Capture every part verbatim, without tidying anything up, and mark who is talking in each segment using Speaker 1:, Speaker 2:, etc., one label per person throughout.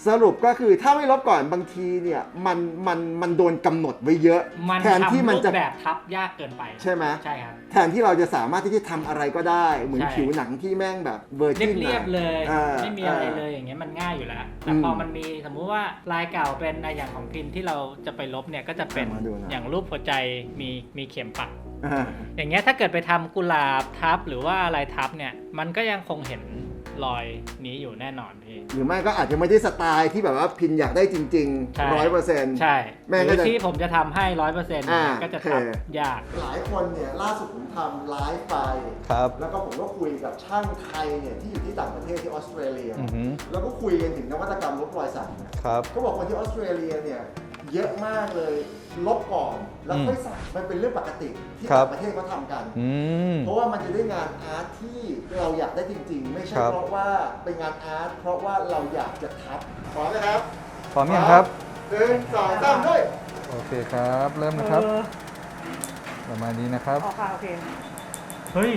Speaker 1: สรุปก็คือถ้าไม่ลบก่อนบางทีเนี่ยมันมันมันโดนกำหนดไว้เยอะแทนที่มันจะ
Speaker 2: แบบทับยากเกินไป
Speaker 1: ใช่ไหม
Speaker 2: ใช่ครับ
Speaker 1: แทนที่เราจะสามารถที่จะทำอะไรก็ได้เหมือนผิวหนังที่แม่งแบบเวอร์จิน
Speaker 2: เรียบๆเลยไม่มีอะไรเลยอย่างเงี้ยมันง่ายอยู่แล้วแต่พอมันมีสมมุติว่าลายเก่าเป็นอย่างของพินที่เราจะไปลบเนี่ยก็จะเป็นอย่างรูปหัวใจมีมีเข็มปักอย่างเงี้ยถ้าเกิดไปทำกุหลาบทับหรือว่าอะไรทับเนี่ยมันก็ยังคงเห็นรอยนี้อยู่แน่นอนพี่
Speaker 1: หรือไม่ก็อาจจะไม่ได้สไตล์ที่แบบว่าพินอยากได้จริงๆร้อยเปอร์เซ็นต์
Speaker 2: ใช่แม่ก็ที่ผมจะทำให้ร้อยเปอร์เซ็นต์ก็จะทำยาก
Speaker 1: หลายคนเนี่ยล่าสุดผมทำไลฟ์ไปแล้วก็ผมก็คุยกับช่างไทยเนี่ยที่อยู่ที่ต่างประเทศที่ออสเตรเลียแล้วก็คุยกันถึงนวัตกรรมลบรอยสักก็บอกคนที่ออสเตรเลียเนี่ยเยอะมากเลยลบก่อนแล้วค่อยสักมันเป็นเรื่องปกติที่ต่างประเทศเขาทำกันเพราะว่ามันจะได้งานอาร์ตที่เราอยากได้จริงๆไม่ใช่เพราะว่าเป็นงานอาร์ตเพราะว่าเราอยากจะทับพร้อมนะครับ
Speaker 3: พร้อมยังครับ
Speaker 1: หนึ่งสองสามด้วย
Speaker 3: โอเคครับเริ่มนะครับประมาณนี้นะครับ
Speaker 2: โอเคโอเคเฮ้ย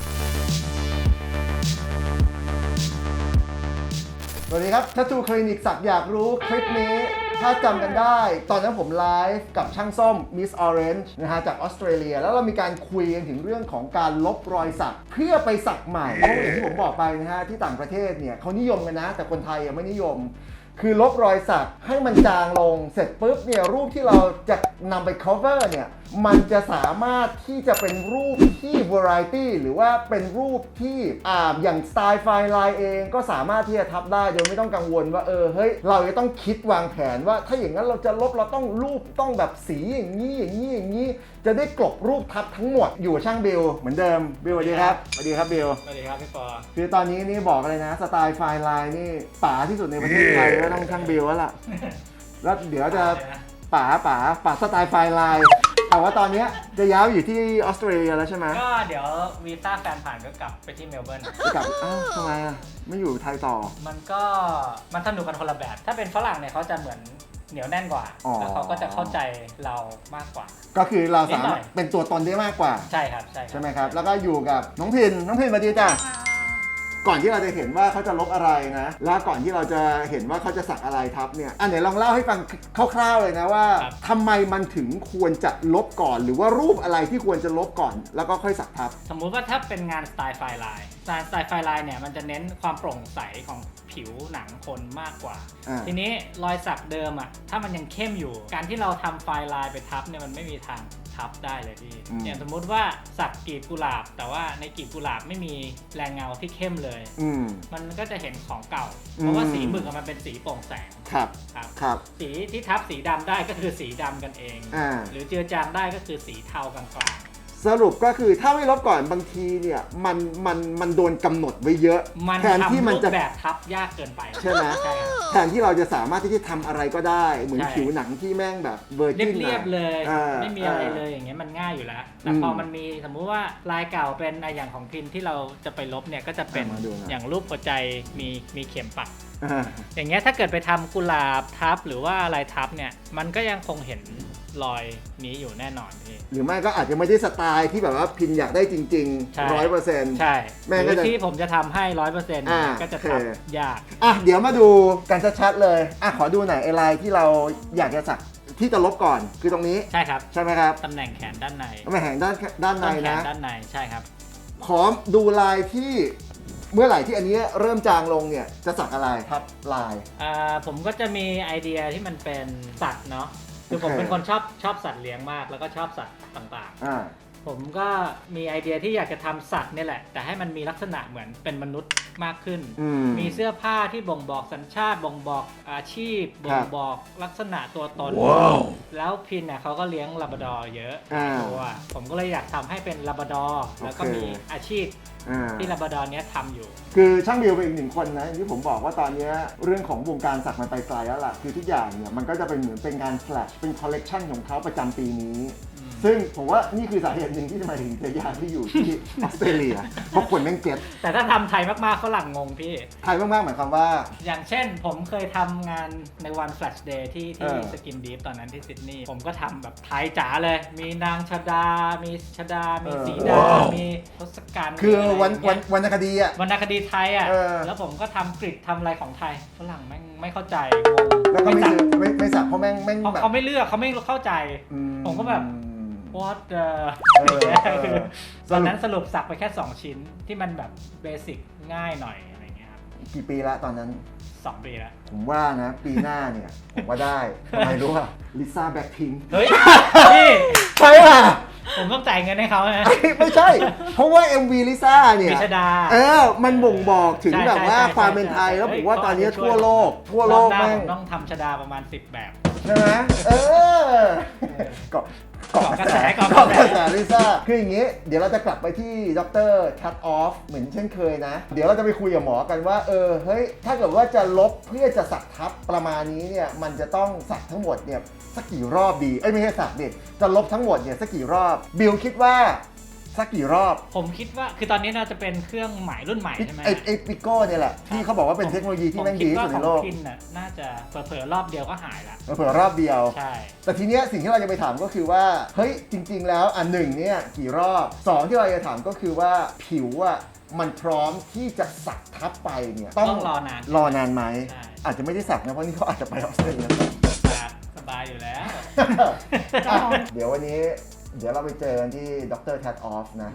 Speaker 1: สวัสดีครับทัตทูคลินิกสักอยากรู้คลิปนี้ถ้าจำกันได้ตอนนั้นผมไลฟ์กับช่างส้ม Miss Orange นะฮะจากออสเตรเลียแล้วเรามีการคุยกันถึงเรื่องของการลบรอยสักเพื่อไปสักใหม่เพราะอย่างที่ผมบอกไปนะฮะที่ต่างประเทศเนี่ยเขานิยมกันนะแต่คนไทยยังไม่นิยมคือลบรอยสักให้มันจางลงเสร็จปุ๊บเนี่ยรูปที่เราจะนำไป cover เนี่ยมันจะสามารถที่จะเป็นรูปที่ variety หรือว่าเป็นรูปที่อ่าอย่างสไตล์ไฟล์ไลน์เองก็สามารถที่จะทับได้โดยไม่ต้องกังวลว่าเออเฮ้ยเราจะต้องคิดวางแผนว่าถ้าอย่างนั้นเราจะลบเราต้องรูปต้องแบบสีอย่างนี้อย่างนี้อย่างนี้จะได้กลบรูปทับทั้งหมดอยู่ช่างบิลเหมือนเดิมบิลสวัสดีครับสวัสดีครับบิล
Speaker 2: สวัสดีครับพี่ปอ
Speaker 1: คือตอนนี้นี่บอกเลยนะสไตล์ไฟล์ไลน์นี่ป๋าที่สุดในประเทศไทยก็ต้องช่างบิลแล้วล่ะแล้วเดี๋ยวจะป๋าป๋าป๋าสไตล์ไฟล์ไลน์แต่ว่าตอนนี้จะย้ายอยู่ที่ออสเตรเลียแล้วใช่ไหม
Speaker 2: ก็เดี๋ยววีซ่าแฟนผ่านก็กลับไปที่เมลเบิร์น
Speaker 1: กลับอ้าวทำไมอ่ะไม่อยู่ไทยต่อ
Speaker 2: มันก็มันสนุกกันคนละแบบถ้าเป็นฝรั่งเนี่ยเขาจะเหมือนเหนียวแน่นกว่าแล้วเขาก็จะเข้าใจเรามากกว่า
Speaker 1: ก็คือเราสามารถเป็นตัวตนได้มากกว่า
Speaker 2: ใช่ครับใช่
Speaker 1: ใช่ไหมครับแล้วก็อยู่กับน้องพินน้องพินสวัสดีจ้ะก่อนที่เราจะเห็นว่าเขาจะลบอะไรนะแล้วก่อนที่เราจะเห็นว่าเขาจะสักอะไรทับเนี่ยอันไหนลองเล่าให้ฟังคร่าวๆเลยนะว่าทำไมมันถึงควรจะลบก่อนหรือว่ารูปอะไรที่ควรจะลบก่อนแล้วก็ค่อยสักทับ
Speaker 2: สมมุติว่าถ้าเป็นงานสไตล์ไฟล์ไลน์สไตล์ไฟล์ไลน์เนี่ยมันจะเน้นความโปร่งใสของผิวหนังคนมากกว่าทีนี้รอยสักเดิมอ่ะถ้ามันยังเข้มอยู่การที่เราทำไฟล์ไลน์ไปทับเนี่ยมันไม่มีทางทับได้เลยพี่อย่างสมมุติว่าสักกลีบกุหลาบแต่ว่าในกลีบกุหลาบไม่มีแรงเงาที่เข้มเลยมันก็จะเห็นของเก่าเพราะว่าสีหมึกมันเป็นสีโปร่งแสง
Speaker 1: ครับ
Speaker 2: ครับ
Speaker 1: ครับ
Speaker 2: สีที่ทับสีดำได้ก็คือสีดำกันเองหรือเจือจางได้ก็คือสีเทากลาง
Speaker 1: สรุปก็คือถ้าไม่ลบก่อนบางทีเนี่ยมันมันมันโดนกำหนดไว้เยอะ
Speaker 2: แทนที่มันจะแบบทับยากเกินไป
Speaker 1: ใช่ไหมแทนที่เราจะสามารถที่จะทำอะไรก็ได้เหมือนผิวหนังที่แม่งแบบเวอร์จิน
Speaker 2: เรียบๆเลยไม่มีอะไรเลยอย่างเงี้ยมันง่ายอยู่แล้วแต่พอมันมีสมมุติว่าลายเก่าเป็นอย่างของพินที่เราจะไปลบเนี่ยก็จะเป็นอย่างรูปหัวใจมีมีเข็มปักอย่างเงี้ยถ้าเกิดไปทำกุหลาบทับหรือว่าอะไรทับเนี่ยมันก็ยังคงเห็นรอยนี้อยู่แน่นอนพี่
Speaker 1: หรือไม่ก็อาจจะไม่ได้สไตล์ที่แบบว่าพินอยากได้จริงๆร้อยเปอร์เซ็นต์
Speaker 2: ใช่แม่ก็ที่ผมจะทำให้ร้อยเปอร์เซ็นต์ก็จะทำยาก
Speaker 1: อ่ะเดี๋ยวมาดูกันชัดๆเลยอ่ะขอดูหน่อยไอ้ลายที่เราอยากจะสักที่จะลบก่อนคือตรงนี้
Speaker 2: ใช่ครับ
Speaker 1: ใช่ไหมครับ
Speaker 2: ตำแหน่งแขนด้านใน
Speaker 1: ตำแหน่งแขนด้านด้านในนะ
Speaker 2: ด้านในใช่ครับ
Speaker 1: พร้อมดูลายที่เมื่อไหร่ที่อันนี้เริ่มจางลงเนี่ยจะสักอะไรครับลาย
Speaker 2: อ่าผมก็จะมีไอเดียที่มันเป็นสัตว์เนาะคือผมเป็นคนชอบชอบสัตว์เลี้ยงมากแล้วก็ชอบสัตว์ต่างๆผมก็มีไอเดียที่อยากจะทำสัตว์นี่แหละแต่ให้มันมีลักษณะเหมือนเป็นมนุษย์มากขึ้นมีเสื้อผ้าที่บ่งบอกสัญชาติบ่งบอกอาชีพบ่งบอกลักษณะตัวตน wow. แล้วพินเนี่ยเขาก็เลี้ยงลาบราดอร์เยอะตัวผมก็เลยอยากทำให้เป็นลาบราดอร์แล้วก็มีอาชีพที่ลาบราดอร์เนี้ยทำอยู่
Speaker 1: คือช่างบิลเป็นอีกหนึ่งคนนะที่ผมบอกว่าตอนนี้เรื่องของวงการสักมันไปไกลแล้วล่ะคือทุกอย่างเนี่ยมันก็จะเป็นเหมือนเป็นงานแฟลชเป็นคอลเลกชันของเขาประจำปีนี้ซึ่งผมว่านี่คือสาเหตุหนึ่งที่ทำไมถึงเจอยากที่อยู่ที่ออสเตรเลียเพราะคนแม่งเก็ต
Speaker 2: แต่ถ้าทำไทยมากๆฝรั่งงงพี่
Speaker 1: ไทยมากๆหมายความว่า
Speaker 2: อย่างเช่นผมเคยทำงานในวัน Flash Day ที่ที่
Speaker 1: เออ
Speaker 2: สกินดีฟตอนนั้นที่ซิดนีย์ผมก็ทำแบบไทยจ๋าเลย มีนางชดา มีชดา มีสีดา มีทศกัณฐ์
Speaker 1: คือวัน
Speaker 2: มีะไร
Speaker 1: วัน
Speaker 2: ย่างเงี้ย
Speaker 1: วรรณคดีอ่ะ
Speaker 2: วรรณคดีไทยอ่ะ
Speaker 1: เออ
Speaker 2: แล้วผมก็ทำกริดทำอะไรของไทยฝรั่งแม่งไม่เข้าใจงง
Speaker 1: แล้วก็ไม่
Speaker 2: จับ
Speaker 1: ซื้อไม่ไม่สับเพราะแม่งแม่ง
Speaker 2: เขา
Speaker 1: แบบ
Speaker 2: เขาไม่เลือกเขาไม่เข้าใจ
Speaker 1: อื
Speaker 2: ผมก็แบบ what the
Speaker 1: เออเออ
Speaker 2: ตอนนั้นสรุปสักไปแค่ สอง ชิ้นที่มันแบบเบสิกง่ายหน่อยอะไรเงี้ยครับ
Speaker 1: กี่ปีละตอนนั้น
Speaker 2: สองปีแล้ว
Speaker 1: ผมว่านะ ปีหน้าเนี่ย ผมว่าได้ทำไมรู้ป่ะลิซ่าแบ็คพิง
Speaker 2: เฮ้ย พี่
Speaker 1: ใช่ป่ะ
Speaker 2: ผมต้องจ่ายเงินให้เขานะ
Speaker 1: ไม่ใช่ เพราะว่า เอ็ม วี ลิซ่าเนี่ย
Speaker 2: พิชดา
Speaker 1: เออ มันบ่งบอกถึง
Speaker 2: ใช่
Speaker 1: แบบว่า
Speaker 2: ใช่ใช่
Speaker 1: ความเป็นไทย
Speaker 2: ใช่
Speaker 1: แล้ว
Speaker 2: เฮ้
Speaker 1: ผ
Speaker 2: ย
Speaker 1: มว่าตอนนี้
Speaker 2: เขาอาจจะช่วย
Speaker 1: ทั่วโลก ทั่วโลก
Speaker 2: รอบหน้า
Speaker 1: แม่
Speaker 2: ผ
Speaker 1: ง
Speaker 2: มต้องทำชดาประมาณสิบแบบ
Speaker 1: ใช่ไหมเออเกาะเกาะกระแส
Speaker 2: เกาะ
Speaker 1: เกาะ
Speaker 2: ก
Speaker 1: ก
Speaker 2: ระ
Speaker 1: ระ
Speaker 2: แส
Speaker 1: แสลิซ่าคืออย่างนี้ เดี๋ยวเราจะกลับไปที่ดรคัตออฟเหมือนเช่นเคยนะ เดี๋ยวเราจะไปคุยกับหมอกันว่า เออ เฮ้ย ถ้าเกิดว่าจะลบเพื่อจะสักทับประมาณนี้เนี่ย มันจะต้องสักทั้งหมดเนี่ยสักกี่รอบดี เอ้ยไม่ใช่สักดิจะลบทั้งหมดเนี่ยสักกี่รอบ บิลคิดว่าสักกี่รอบ
Speaker 2: ผมคิดว่าคือตอนนี้เราจะเป็นเครื่องใหม่รุ่นใหม่ใช่ไหม
Speaker 1: ไอ้ไอ้ปิโก้เนี่ยแหละที่เขาบอกว่าเป็นเทคโนโลยีที่แม่งดีที่สุดในโล
Speaker 2: ผม
Speaker 1: ก
Speaker 2: คิดว่าของพินน่ะน่าจะเผลอๆรอบเดียวก็หายละ
Speaker 1: เผื่อรอบเดียว
Speaker 2: ใช่
Speaker 1: แต่ทีเนี้ยสิ่งที่เราจะไปถามก็คือว่าเฮ้ยจริง ๆ แล้วอันหนึ่งเนี่ยกี่รอบสองที่เราจะถามก็คือว่าผิวอ่ะมันพร้อมที่จะสักทับไปเนี่ย
Speaker 2: ต้องรอนาน
Speaker 1: รอนานไหม
Speaker 2: ใช่
Speaker 1: อาจจะไม่ได้สักนะเพราะนี่เขาอาจจะไปออสเตรเลีย
Speaker 2: สบายอยู่แล้ว
Speaker 1: อ่ะเดี๋ยววันนี้เดี๋ยวเราไปเจอกันที่ดรแทดออฟนะ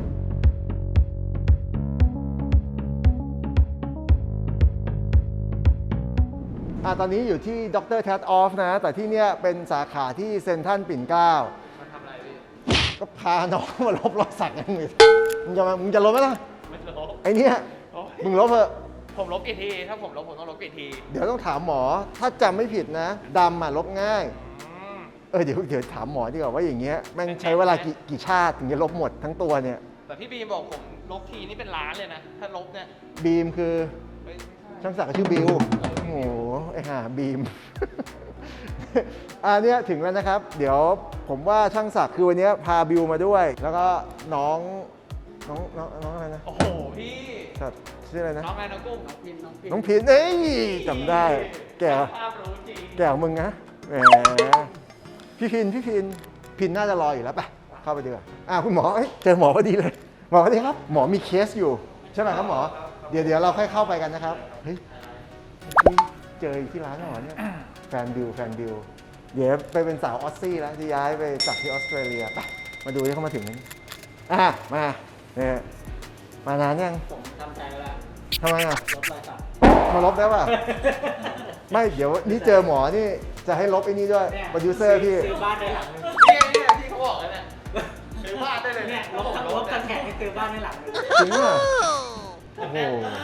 Speaker 1: อ่ะตอนนี้อยู่ที่ดรแทดออฟนะ แต่ที่เนี้ยเป็นสาขาที่เซ็นทรัลปิ่นเกล้า
Speaker 4: มาทำอะไรพี่
Speaker 1: ก็พาน้องมาลบรอยสักกันมึงมึงจะมามึงจะลบไหมล่ะ
Speaker 4: ไม่ลบ
Speaker 1: ไอเนี้ย
Speaker 4: โอ้ย
Speaker 1: มึงลบเถอะ
Speaker 4: ผมลบกี่ที ถ้าผมลบผมต้องลบกี่ที
Speaker 1: เดี๋ยวต้องถามหมอ ถ้าจำไม่ผิดนะดำอ่ะลบง่าย
Speaker 4: อืม
Speaker 1: เออเดี๋ยวเดี๋ยวถามหมอดีกว่าว่าอย่างเงี้ยแม่งใช้เวลากี่กี่ชาติถึงจะลบหมดทั้งตัวเนี่ย
Speaker 4: แต่พี่บีมบอกผมลบทีนี่เป็นล้านเลยนะ ถ้าลบเนี่ย
Speaker 1: บีมคือ
Speaker 4: ไม่ไม่ใช่
Speaker 1: ช่างศักดิ์ชื่อบิวโอ้โหไอห่าบีม อันเนี้ยถึงแล้วนะครับ เดี๋ยวผมว่าช่างศักดิ์คือวันเนี้ยพาบิวมาด้วย แล้วก็น้องน้องน้องน้องอะไรนะ
Speaker 4: โอ้โห พี่
Speaker 1: สัตว์ชื่ออะไรนะ
Speaker 4: น้องไงน้องกุ้งน้องพินน้องพิน
Speaker 1: น้องพินเอ้ยจำได้ แก่
Speaker 4: ภาพรู้จริง
Speaker 1: แก่กว่ามึงนะแหมพี่พินพี่พินพินน่าจะรออยู่แล้วไปเข้าไปดีกว่าอ่าคุณหมอเอ้ยเจอหมอพอดีเลยหมอสวัสดีครับหมอมีเคสอยู่ใช่ไหมครับหมอเดี๋ยวเดี๋ยวเราค่อยเข้าไปกันนะครับเฮ้ยเมื่อกี้เจออยู่ที่ร้านหมอเนี่ยแฟนบิวแฟนบิวเดี๋ยวไปเป็นสาวออสซี่แล้วจะย้ายไปจากที่ออสเตรเลียไปมาดูที่เขามาถึงนั้นอ่ะมาเนี่ยมานานยัง
Speaker 2: ผมทำใจไว้แล้ว
Speaker 1: ทำไมอ่ะ
Speaker 2: ลบรอยสัก
Speaker 1: มาลบได้ป่ะ ไม่เดี๋ยวนี่เจอหมอนี่จะให้ลบไอ้นี่ด้วย
Speaker 2: เนี่ย
Speaker 1: โปรดิวเซอร์พี่
Speaker 2: ซื้อบ้านได้หลังนึง
Speaker 4: เนี่ยเนี่ยที่เขาบอกเลยเนี่ยซื้อบ้านได้เลย
Speaker 2: เนี่
Speaker 4: เนี่ย ย
Speaker 2: ลบลบกันแขกให้ซื้อบ้านได้หลังนึง
Speaker 1: จริงอ่ะโอ้โห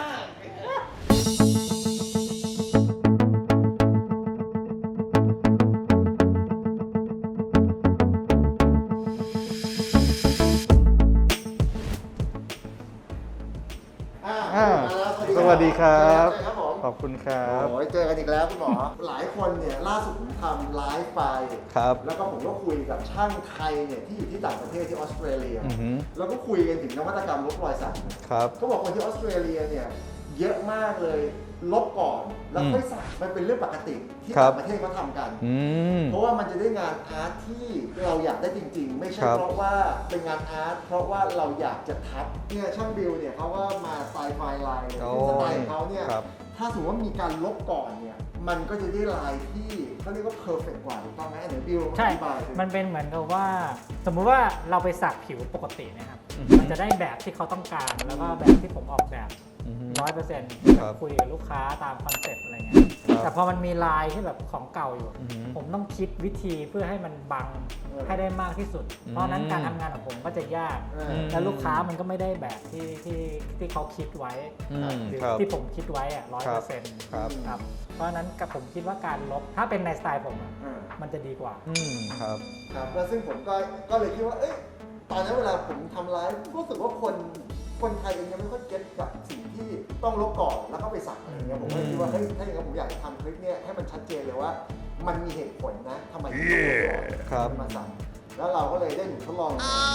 Speaker 1: อ่าสวัสดีครับ ขอบคุณครับ โอ้ยเจอกันอีกแล้วคุณหมอ หลายคนเนี่ยล่าสุดผมทำไลฟ์ไป
Speaker 3: ครับ
Speaker 1: แล้วก็ผมก็คุยกับช่างไทยเนี่ยที่อยู่ที่ต่างประเทศที่ออสเตรเลีย
Speaker 3: อือหือ
Speaker 1: แล้วก็คุยกันถึงนวัตกรรมลบรอยสัก
Speaker 3: ครับ
Speaker 1: เขาบอกคนที่ออสเตรเลียเนี่ยเยอะมากเลยลบก่อนแล้วค่อยสักมันเป็นเรื่องปกติที่
Speaker 3: ครับ
Speaker 1: ต่างประเทศเขาทำกัน
Speaker 3: อืม
Speaker 1: เพราะว่ามันจะได้งานอาร์ตที่เราอยากได้จริงๆ ไม่ใช่
Speaker 3: ครับ
Speaker 1: เพราะว่าเป็นงานอาร์ตเพราะว่าเราอยากจะทับเนี่ยช่างบิลเนี่ยเขาก็มาสไตล์ไฟไลน์
Speaker 3: โอ้
Speaker 1: ซึ่งสไตล์ของเขาเนี่ย
Speaker 3: ครับ
Speaker 1: ถ้าสมมติว่ามีการลบก่อนเนี่ยมันก็จะได้ลายที่เขาเรียกว่าเพอร์เฟกต์กว่าถูกต้องไหมเดี๋ยวบิล
Speaker 2: ใช่
Speaker 1: อธิบายสิ
Speaker 2: มันเป็นเหมือนกับว่า สมมุติว่าเราไปสักผิวปกตินะครับ
Speaker 3: อือฮึ
Speaker 2: มันจะได้แบบที่เขาต้องการ แล้วก็แบบที่ผมออกแบบ
Speaker 3: อือหือ
Speaker 2: ร้อยเปอร์เซ็นต์
Speaker 3: ครับ
Speaker 2: คุยกับลูกค้าตามคอนเซ็ปต์อะไรเงี้ย
Speaker 3: ครับ
Speaker 2: แต่พอมันมีลายที่แบบของเก่าอยู่
Speaker 3: อือหือ
Speaker 2: ผมต้องคิดวิธีเพื่อให้มันบังให้ได้มากที่สุด
Speaker 3: อืม
Speaker 2: เพราะฉะนั้นการทำงานของผมก็จะยาก
Speaker 1: เออ
Speaker 3: ม
Speaker 2: แล้วลูกค้ามันก็ไม่ได้แบบที่ที่ที่เขาคิดไว้
Speaker 3: อืม
Speaker 2: หรือ
Speaker 3: ครับ
Speaker 2: ที่ผมคิดไว้อะร้อย
Speaker 3: ครั
Speaker 2: เปอบ ร์เซ็นต์
Speaker 3: ครับ
Speaker 2: ครับ เพราะฉะนั้นกับผมคิดว่าการลบ ถ้าเป็นในสไตล์ผมอะ
Speaker 1: อ่า
Speaker 2: มันจะดีกว่า
Speaker 3: อืมครับ
Speaker 1: ครับแล้วซึ่งผมก็ก็เลยคิดว่า เอ้ย ตอนนั้นเวลาผมทำไลฟ์รู้สึกว่าคนคนไทยเองยังไม่ค่อยเก็ตกับสิ่งที่ต้องลบก่อนแล้วก็ไปสักอะไรเงี้ยผมก็เลยคิดว่าเฮ้ยถ้าอย่างนั้นผมอยากจะทำคลิปเนี้ยให้มันชัดเจนเลยว่า มันมีเหตุผลนะทำไมถึงต้องลบก่อน
Speaker 3: ครับ
Speaker 1: มาสักแล้วเราก็เลยได้หนูทดลอง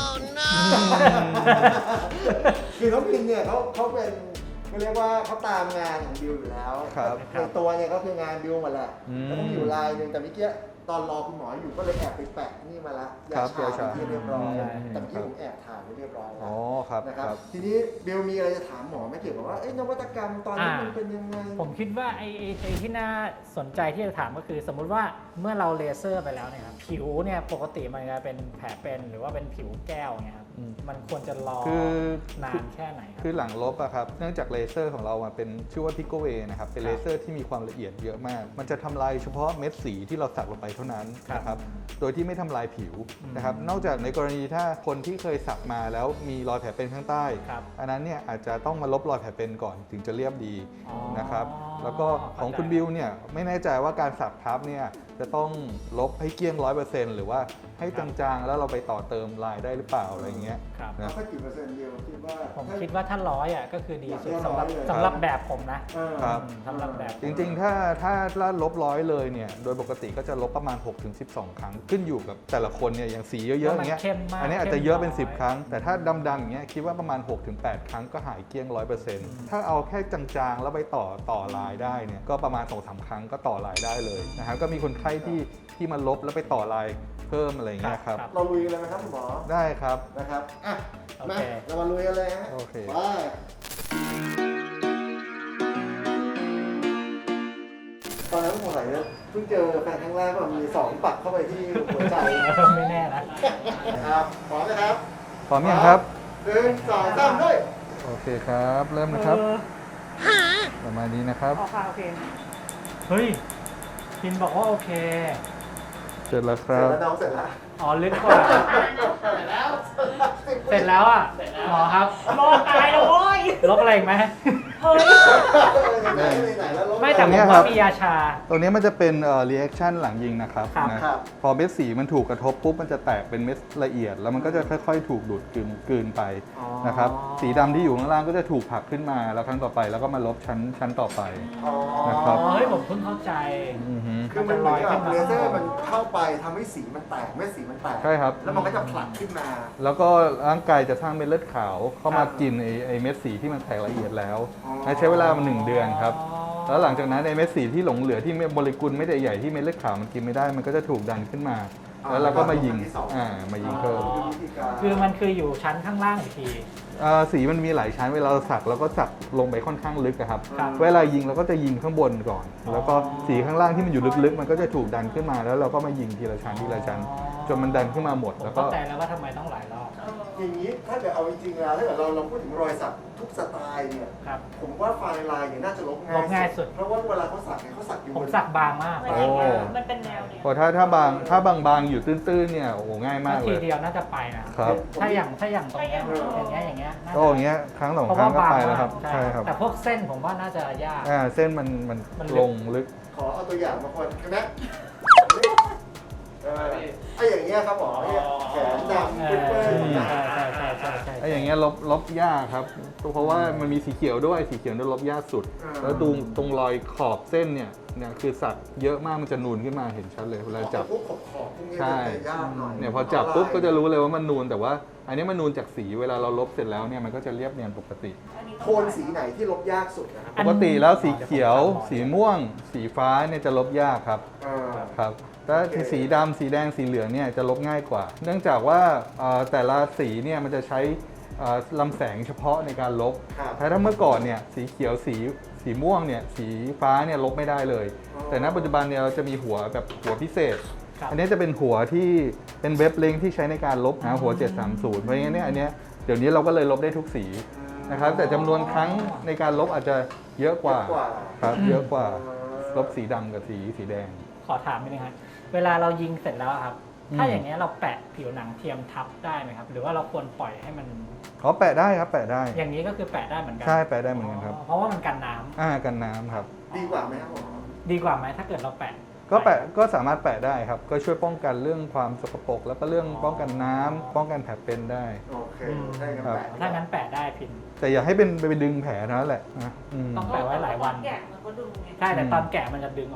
Speaker 1: คือน้องพินเนี่ยเขาเขาเป็นเขาเรียกว่าเขาตามงานของบิวอยู่แล้ว
Speaker 3: ครับ
Speaker 1: ในตัวเนี่ยก็คืองานบิวหมดแหละ
Speaker 3: อืม
Speaker 1: แล้วก็มีอยู่ลายหนึ่งแต่เมื่อกี้ตอนรอคุณหมออยู่ก็เลยแอบไปแปะนี่มาละยา
Speaker 3: ครับ
Speaker 1: ชาย
Speaker 3: าชา
Speaker 1: ที่เรียบร้อย
Speaker 3: ใช่
Speaker 1: แต่เมื่อกี้ผมแอบถ่ายไว้เรียบร้อยแล้
Speaker 3: อ๋
Speaker 1: ว
Speaker 3: อครับ
Speaker 1: นะครับ
Speaker 3: ครับ
Speaker 1: ทีนี้บิวมีอะไรจะถามหมอไหมเกี่ยวกับว่าเอ้ยนวัตกรรมตอนนี้มันเป็นยังไง
Speaker 2: ผมคิดว่าไอ้ไอ้ไอ้ที่น่าสนใจที่จะถามก็คือ สมมุติว่าเมื่อเราเลเซอร์ไปแล้วเนี่ยครับผิวเนี่ยปกติมันจะเป็นแผลเป็นหรือว่าเป็นผิวแก้วเนี่ยครับ
Speaker 3: อืม
Speaker 2: มันควรจะรอ
Speaker 3: คือ
Speaker 2: นานแค่ไหนครับ
Speaker 3: คือหลังลบอะครับ เนื่องจากเลเซอร์ของเรามันเป็นชื่อว่าพิโกเวนะครับ เป็นเลเซอร์ที่มีความละเอียดเยอะมาก มันจะทำลายเฉพาะเม็ดสีที่เราสักลงไปเท่านั้นนะครับ โดยที่ไม่ทำลายผิวนะครับ นอกจากในกรณีถ้าคนที่เคยสักมาแล้วมีรอยแผลเป็นข้างใต้
Speaker 2: ครับ
Speaker 3: อันนั้นเนี่ยอาจจะต้องมาลบรอยแผลเป็นก่อนถึงจะเรียบดี
Speaker 2: อ๋อ
Speaker 3: นะครับ แล้วก็ของคุณบิวเนี่ยไม่แน่ใจว่าการสักทับเนี่ยจะต้องลบให้เกลี้ยงร้อยเปอร์เซ็นต์หรือว่าให้จางๆแล้วเราไปต่อเติมลายได้หรือเปล่าอะไรอย่างเงี้ย
Speaker 2: ครับ
Speaker 3: นะ
Speaker 1: แค่กี่เปอร์เซ็นต์เดียวคิดว่า
Speaker 2: ผมคิดว่าถ้าร้อยอ่ะก็คือดีสุด
Speaker 1: อยาก
Speaker 2: สำหรับ
Speaker 1: ให้ร้อยเลย
Speaker 2: สำหรับแบบผมนะ
Speaker 1: เออ
Speaker 3: ครับ
Speaker 2: สำหรับแบบ
Speaker 3: จริงๆ ถ้าถ้าถ้าลบร้อยเลยเนี่ย โดยปกติก็จะลบประมาณ หกถึงสิบสอง ครั้ง ขึ้นอยู่กับแต่ละคนเนี่ย อย่างสีเยอะๆ อย่างเงี้ย
Speaker 2: เข้มมาก
Speaker 3: อันนี้อาจจะเยอะเป็น สิบ ครั้ง แต่ถ้าดำๆอย่างเงี้ย คิดว่าประมาณ หกถึงแปด ครั้งก็หายเกลี้ยง ร้อยเปอร์เซ็นต์ ถ้าเอาแค่จางๆ แล้วไปต่อต่อลายได้เนี่ย ก็ประมาณ สองถึงสาม ครั้งก็ต่อลายได้เลยนะครับ ก็มีคนไข้ที่ที่มาลบแล้วไปต่อลายเพิ่มอะไรอย่างเงี้ยครับ
Speaker 1: เราลุยกันเลยไหมครับคุณหมอ
Speaker 3: ได้ครับ
Speaker 1: นะครับ อ่ะ
Speaker 2: โอ
Speaker 1: มา
Speaker 2: เค
Speaker 1: เรามาลุยกันเลยฮะ
Speaker 3: โอเค
Speaker 1: ไปตอนนั้นผมไหนเนี่ยเพิ่งเจอแฟนครั้งแรกว่ามีสองปักเข้าไปที่หัวใจ
Speaker 2: ไม่แน่นะ
Speaker 1: ครับพร้อมนะครับ
Speaker 3: พร้อมยังครับ
Speaker 1: หนึ่งสองสามด้วย
Speaker 3: โอเคครับ เริ่มนะครับ ประมาณนี้นะครับ
Speaker 2: โอเคโอเคเฮ้ยพินบอกว่าโอเค
Speaker 3: เสร็จแล้วค
Speaker 1: เสร็
Speaker 3: รั
Speaker 1: จ
Speaker 3: บ
Speaker 1: แล้วน้องเสร็จแล้ว
Speaker 2: อ๋อลึกกว่า เสร็จแล้วอ่ะหมอครับลบตายแล้วโว้ยลบอะไรอีกไหมเฮ้ย
Speaker 1: ไหนๆไหนๆแล้วลบ
Speaker 2: ไม่แต่
Speaker 3: ตรง
Speaker 2: ผ
Speaker 3: เนี้
Speaker 2: ม
Speaker 3: ยครั
Speaker 2: ว่า
Speaker 3: บ
Speaker 2: มียาชา
Speaker 3: ตัวนี้มันจะเป็นเอ่อ reaction หลังยิงนะครับ
Speaker 2: ครับ
Speaker 3: นะครับ พอเม็ดสีมันถูกกระทบปุ๊บมันจะแตกเป็นเม็ดละเอียด แล้วมันก็จะค่อยๆ ถูกดูดกลืนกลืนไป
Speaker 2: อ๋อ
Speaker 3: นะครับสีดำที่อยู่ข้างล่างก็จะถูกผลักขึ้นมาแล้วครั้งต่อไปแล้วก็มาลบชั้นชั้นต่อไป
Speaker 1: อ๋อ
Speaker 3: นะครับ
Speaker 2: อ๋อเฮ้ยผมเพิ่งเข้าใจ
Speaker 3: อือฮึ
Speaker 1: คือมันเหมือนกับเลเซอร์มันเข้าไปทำให้สีมันแตกเม็ดสีมันแตก
Speaker 3: ใช่ครับ
Speaker 1: แล้วมันก็จะผลักขึ้นมา
Speaker 3: แล้วก็ร่างกายจะสร้างเม็ดเลือดขาวเข้ามา
Speaker 1: ครับ
Speaker 3: กินไอ้ไอ้เม็ดสีที่มันแตกละเอียดแล้ว
Speaker 1: อ๋อ
Speaker 3: ใช้เวลามาหนึ่งเดือนครับ แล้วหลังจากนั้นไอ้เม็ดสีที่หลงเหลือที่โมเลกุลไม่ได้ใหญ่ที่เม็ดเลือดขาวมันกินไม่ได้มันก็จะถูกดันขึ้นมา แล้วเราก็มายิงอ่ามายิงเพิ่ม
Speaker 2: อ๋อ
Speaker 1: วิธีการ
Speaker 2: คือมันคืออยู่ชั้นข้างล่างอีกที
Speaker 3: อ่าสีมันมีหลายชั้นเวลาเราสักเราก็สักลงไปค่อนข้างลึกอะครับ
Speaker 2: ครับ
Speaker 3: เวลายิงเราก็จะยิงข้างบนก่อน แล้วก็สีข้างล่างที่มันอยู่ลึกๆ มันก็จะถูกดันขึ้นมาแล้วเราก็มายิงทีละชั้นทีละชั้นจนมันดันขึ้นมาหมด
Speaker 2: ผม
Speaker 3: แล้วก็
Speaker 2: เข้าใจแล้วว่าทำไมต้องหลายรอบ
Speaker 1: อย่างนี้ถ้าเกิดเอาจริงๆแล้วถ้าเกิดเราเราพูดถึงรอยสักทุกสไตล์เนี่ย
Speaker 2: ครับ
Speaker 1: ผมว่าไฟน์ไลน์เนี่ยน่าจะลบง่าย
Speaker 2: ลบง่ายสุด
Speaker 1: เพราะว่าเวลาเขาสักเนี่ยเขาสักอยู่
Speaker 2: ผม
Speaker 1: บน
Speaker 2: สักบางมาก
Speaker 5: มันเป็นแนวมันเป็นแนวเนี่ย
Speaker 3: พอถ้าถ้าบางถ้าบางๆอยู่ตื้นๆเนี่ยโอ้โหง่ายมากเล
Speaker 2: ที
Speaker 3: ย
Speaker 2: เดียวน่าจะไปนะครับ ถ้าอย่างถ้าอย่างตรงเนี้ยอย่างเงี้ยอย่างเงี้ยน่าจะ
Speaker 3: ก็อย่างเงี้ยครั้งสอง
Speaker 2: เพราะ
Speaker 3: ครั้
Speaker 2: ว่าง
Speaker 3: ก็
Speaker 2: บาง
Speaker 3: ไป
Speaker 2: มา
Speaker 3: แล้วค
Speaker 2: ก
Speaker 3: รับใช่ครับ
Speaker 2: แต่พวกเส้นผมว่าน่าจะยาก
Speaker 3: อ่าเส้นมันมัน
Speaker 2: มันลึก
Speaker 3: ลงลึก
Speaker 1: ขอเอาตัวอย่างมาคนใช่ไหมเออไอ้อย่างเงี้ยครับหมอเนี่ยแขนดำ
Speaker 2: เอ
Speaker 1: เปื้
Speaker 2: อ
Speaker 1: อนๆ
Speaker 2: ใช่
Speaker 1: นะ
Speaker 2: ใช่ใช่ใช่ใช่
Speaker 3: ไอ้อย่างเงี้ยลบลบยากครับ เพราะว่ามันมีสีเขียวด้วยสีเขียวเนี่ยลบยากสุด แล้วตรงตรงรอยขอบเส้นเนี่ยเนี่ยคือสักเยอะมากมันจะนูนขึ้นมาเห็นชัดเลยเวลาจับ
Speaker 1: พวกขอบขอบๆพวกนี้
Speaker 3: ใช่
Speaker 1: มันจะยากหน่อย
Speaker 3: เนี่ยพอจับปุ๊บก็จะรู้เลยว่ามันนูนแต่ว่า อันนี้มันนูนจากสีเวลาเราลบเสร็จแล้วเนี่ยมันก็จะเรียบเนียนปกติ
Speaker 1: โทนสีไหนที่ลบยากสุดนะครับ
Speaker 3: ปกติแล้วสีเขียว สีม่วง สีฟ้าเนี่ยจะลบยากครับ
Speaker 1: เออ
Speaker 3: ครับแต่สีดำสีแดงสีเหลืองเนี่ยจะลบง่ายกว่า เนื่องจากว่าเอ่อแต่ละสีเนี่ยมันจะใช้เอ่อลำแสงเฉพาะในการลบ
Speaker 1: ครับ
Speaker 3: แต่ถ้าเมื่อก่อนเนี่ยสีเขียวสีสีม่วงเนี่ยสีฟ้าเนี่ยลบไม่ได้เลย
Speaker 1: อ๋อ
Speaker 3: แต่ณปัจจุบันเนี่ยเราจะมีหัวแบบหัวพิเศษ
Speaker 2: ครับ
Speaker 3: อันนี้จะเป็นหัวที่เป็นเว็บลิงก์ที่ใช้ในการลบหาหัว เจ็ดสามศูนย์ เพราะงั้นเนี่ยอันเนี้ยเดี๋ยวนี้เราก็เลยลบได้ทุกสีนะครับแต่จำนวนครั้งในการลบอาจจะเยอะกว่า
Speaker 1: เยอะกว่า
Speaker 3: ครับเยอะกว่า
Speaker 1: เออ
Speaker 3: ลบสีดำกับสีสีแดง
Speaker 2: ขอถามนิดนึงครับเวลาเรายิงเสร็จแล้วครับ
Speaker 3: อืม
Speaker 2: ถ้าอย่างเงี้ยเราแปะผิวหนังเทียมทับได้ไหมครับ หรือว่าเราควรปล่อยให้มัน
Speaker 3: เขาแปะได้ครับแปะได้
Speaker 2: อย่างนี้ก็คือแปะได้เหมือนกั
Speaker 3: ใช่แปะได้เหมือนกันครับ
Speaker 2: เพราะว่ามันกันน้ำ
Speaker 3: อ่ากันน้ำครับ
Speaker 1: ดีกว่าไหมครับหมอ
Speaker 2: ดีกว่าไหมถ้าเกิดเราแปะ
Speaker 3: ก็แปะก็สามารถแปะได้ครับ ก็ช่วยป้องกันเรื่องความสกปรกแล้วก็เรื่องป้องกันน้ำป้องกันแผลเป็นได้
Speaker 1: โอเค
Speaker 2: อืม
Speaker 1: ใช่ครับ
Speaker 3: ครับ
Speaker 1: แปะ
Speaker 2: ถ้างั้นแปะได้พิน
Speaker 3: แต่อย่าให้เป็นไปดึงแผลเท่านั้นแหละนะอืม
Speaker 2: ต้อง แปะไว้หลายวัน
Speaker 5: แกะมันก็ดูไง
Speaker 2: ใช่แต่ตอนแกะมันจะดึงออก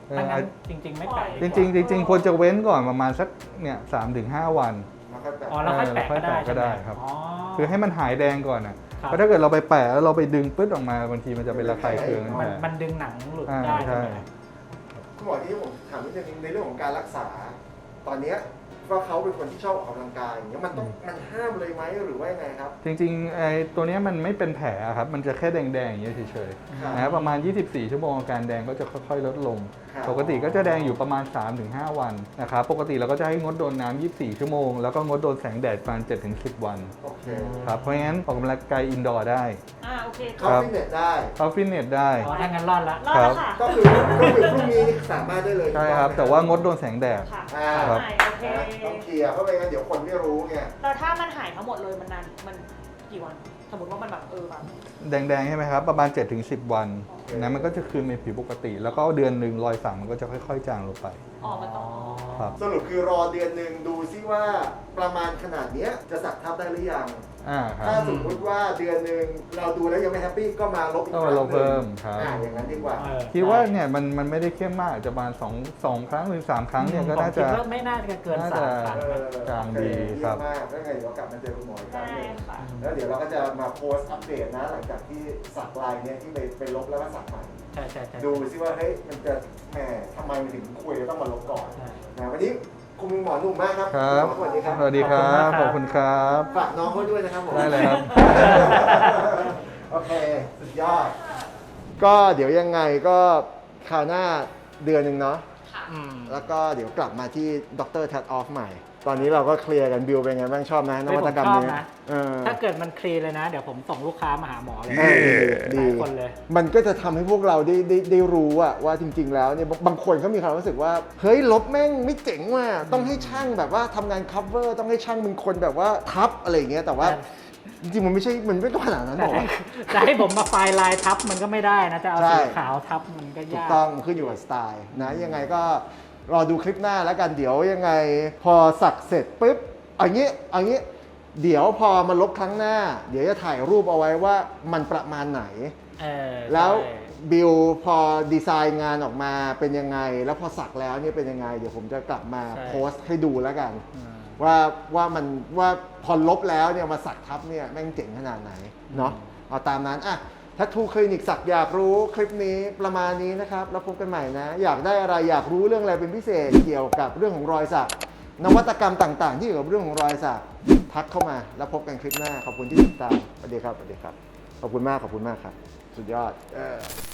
Speaker 3: เออ
Speaker 2: ถ้างั้นจริง ๆ ไม่แปะ
Speaker 3: จริงๆจริงๆควรจะเว้นก่อนประมาณสักเนี่ยสามถึงห้าวัน
Speaker 1: แล้วก็แบบ
Speaker 2: อ๋อแล้วค่อยแปะ
Speaker 3: เออ
Speaker 2: ก็ได้
Speaker 3: แล้วค่อยแปะก็ได้
Speaker 2: ใช่หม
Speaker 3: ครับ
Speaker 2: อ๋อ
Speaker 3: คือให้มันหายแดงก่อนนะ
Speaker 2: ครับ
Speaker 3: เพราะถ้าเกิดเราไปแปะแล้วเราไปดึงปึ๊ดออกมาบางทีมันจะเป็นระคายเคือง
Speaker 2: มัน
Speaker 3: แผล
Speaker 2: มันดึงหนังหลุด
Speaker 3: อ่า
Speaker 2: ได้
Speaker 3: ใช่
Speaker 2: ใช่ไหม
Speaker 1: คุณหมอที่ผมถามนิดนึงในเรื่องของการรักษา ตอนเนี้ยว่าเขาเป็นคนที่ชอบออกกำลังกายอย่างเงี้ยมันต้องมันห้ามเลยไหมหรือว่ายังไงครับ
Speaker 3: จริงๆไอ้ตัวเนี้ยมันไม่เป็นแผลครับมันจะแค่แดงๆอย่างเงี้ยเฉย
Speaker 1: ครับ
Speaker 3: ๆนะครับประมาณ ยี่สิบสี่ ชั่วโมงอาการแดงก็จะค่อยๆลดลง
Speaker 1: ครับ
Speaker 3: ปกติก็จะแดงอยู่ประมาณ สามถึงห้า วันนะครับปกติเราก็จะให้งดโดนน้ำยี่สิบสี่ ชั่วโมงแล้วก็งดโดนแสงแดดประมาณ เจ็ดถึงสิบ วัน
Speaker 1: โอเค
Speaker 3: ครับเพราะงั้นออกกำลังกายอินดอร์ได้
Speaker 5: อ่าโอเค
Speaker 1: เข้า
Speaker 3: ครับ
Speaker 1: ฟิตเนสได้
Speaker 3: เข้าฟิตเนสได้
Speaker 2: อ๋อถ้างั้นรอดละ
Speaker 5: รอดแล้วค่ะ
Speaker 1: ก็คือก็คือพรุ่งนี้นี่สามารถได้เลย
Speaker 3: ใช่ครับ แต่ว่างดโดนแสงแดด
Speaker 5: ค่ะ
Speaker 1: อ่า
Speaker 3: ครับ
Speaker 5: หายโอเค
Speaker 1: ต้องเคลียร์เพราะไม่งั้นเดี๋ยวคนไม่รู้ไง
Speaker 5: แล้วถ้ามันหายทั้งหมดเลยมันนานมันกี่วัน สมมติว่ามันแบบเออแบบ
Speaker 3: แดงๆใช่ไหมครับ ประมาณ เจ็ดถึงสิบ วัน
Speaker 1: โอเค
Speaker 3: นะมันก็จะคืนเป็นผิวปกติ แล้วก็เดือนหนึ่งรอยสักมันก็จะค่อยๆ จางลงไป
Speaker 5: อ๋อมันต้อง
Speaker 3: ครับ
Speaker 1: สรุปคือรอเดือนหนึ่งดูซิว่าประมาณขนาดเนี้ยจะสักทับได้หรือยัง
Speaker 3: อ่าครับ
Speaker 1: ถ้าสมมติว่าเดือนหนึ่งเราดูแล้วยังไม่แฮปปี้ก็มาลบอีก
Speaker 3: ก็
Speaker 1: ค
Speaker 3: มา
Speaker 1: รั้ง
Speaker 3: ลบเพิ่ม
Speaker 1: หนึ่ง
Speaker 3: ครับ
Speaker 1: อ่าอย่างนั้นดีกว่า
Speaker 2: เออ
Speaker 3: คิดว่าเนี่ยมันมันไม่ได้เข้มมากจะประมาณสองสองครั้งหรือสามครั้งเนี่ยก็น่าจะ
Speaker 2: ผมคิดว่าไม่น่าจะเกิน
Speaker 3: น่า
Speaker 2: สา
Speaker 3: จะ
Speaker 2: มครั้ง
Speaker 1: เออ
Speaker 3: จางดีครับ
Speaker 1: เยี่ยมมากแล้วไงเดี๋ยวกลับมาเจอคุณหมออีกครั้ง
Speaker 5: ได้
Speaker 1: หนึ่ง
Speaker 5: ค่ะ
Speaker 1: แล้วเดี๋ยวเราก็จะมาโพสต์อัปเดตนะหลังจากที่สักลายเนี้ยที่ไปไปลบแล้วก็สักใหม่
Speaker 2: ใช่ใช่ใช่
Speaker 1: ดูซิว่าเฮ้ยมันจะแหมทำไมมันถึงคุยต้องมาลบก่อน
Speaker 2: ใช่
Speaker 1: นะวันนี้คุณหมอหนุ่มมากครับ
Speaker 3: ครับ
Speaker 1: ณหมอสวัสดีครับ
Speaker 3: สวัสดีครับ ขอบคุณครับ
Speaker 1: ฝากน้องเขาด้วยนะครับผม
Speaker 3: ได้เลยครับ
Speaker 1: โอเค สุดยอด ก็เดี๋ยวยังไงก็คราวหน้าเดือนหนึ่งเนาะ
Speaker 2: อืม
Speaker 1: แล้วก็เดี๋ยวกลับมาที่ดรแทดออฟใหม่ ตอนนี้เราก็เคลียร์กันบิวเป็นไงบ้างชอบไหมนวัตกรรมนี้
Speaker 2: ผมชอบนะ
Speaker 1: เออ
Speaker 2: ถ้าเกิดมันคลีนเลยนะ เดี๋ยวผมส่งลูกค้ามาหาหมอเลย
Speaker 1: เออดี
Speaker 2: หลายคนเลย
Speaker 1: มันก็จะทำให้พวกเราได้ได้ได้รู้อะว่าจริง ๆ แล้วเนี่ยบางบางคนเขามีความรู้สึกว่า เฮ้ยลบแม่งไม่เจ๋งว่ะต้องให้ช่างแบบว่าทำงาน cover ต้องให้ช่างเป็นคนแบบว่าทับอะไรอย่างเงี้ยแต่ว่า จริงๆมันไม่ใช่มันไม่ขนาดนั้นหร
Speaker 2: แต่
Speaker 1: อก
Speaker 2: ให้จะให้ผมมาไฟล์ลายทับมันก็ไม่ได้นะ จะเอา
Speaker 1: ใช่
Speaker 2: สีขาวทับมันก็
Speaker 1: ถูก
Speaker 2: ยาก
Speaker 1: ต้องขึ้นอยู่กับสไตล์นะยังไงก็รอดูคลิปหน้าแล้วกันเดี๋ยวยังไงพอสักเสร็จปุ๊บเอันนี้เอันนี้เดี๋ยวพอมาลบครั้งหน้า เดี๋ยวจะถ่ายรูปเอาไว้ว่ามันประมาณไหน
Speaker 2: เออ
Speaker 1: แล้ว
Speaker 2: ใช่
Speaker 1: บิลพอดีไซน์งานออกมาเป็นยังไง แล้วพอสักแล้วเนี่ยเป็นยังไง เดี๋ยวผมจะกลับมา
Speaker 2: ใช่
Speaker 1: โพสต์ให้ดูแล้วกัน
Speaker 2: อืม
Speaker 1: ว่าว่ามันว่าพอลบแล้วเนี่ยมาสักทับเนี่ยแม่งเจ๋งขนาดไหนเนาะเอาตามนั้นอ่ะทัตทูคลินิกสักอยากรู้คลิปนี้ประมาณนี้นะครับแล้วพบกันใหม่นะ อยากได้อะไรอยากรู้เรื่องอะไรเป็นพิเศษเกี่ยวกับเรื่องของรอยสักนวัตกรรมต่าง ๆ ที่เกี่ยวกับเรื่องของรอยสักทักเข้ามาแล้วพบกันคลิปหน้าขอบคุณที่ติดตามสวัสดีครับสวัสดีครับขอบคุณมากขอบคุณมากครับสุดยอดเออ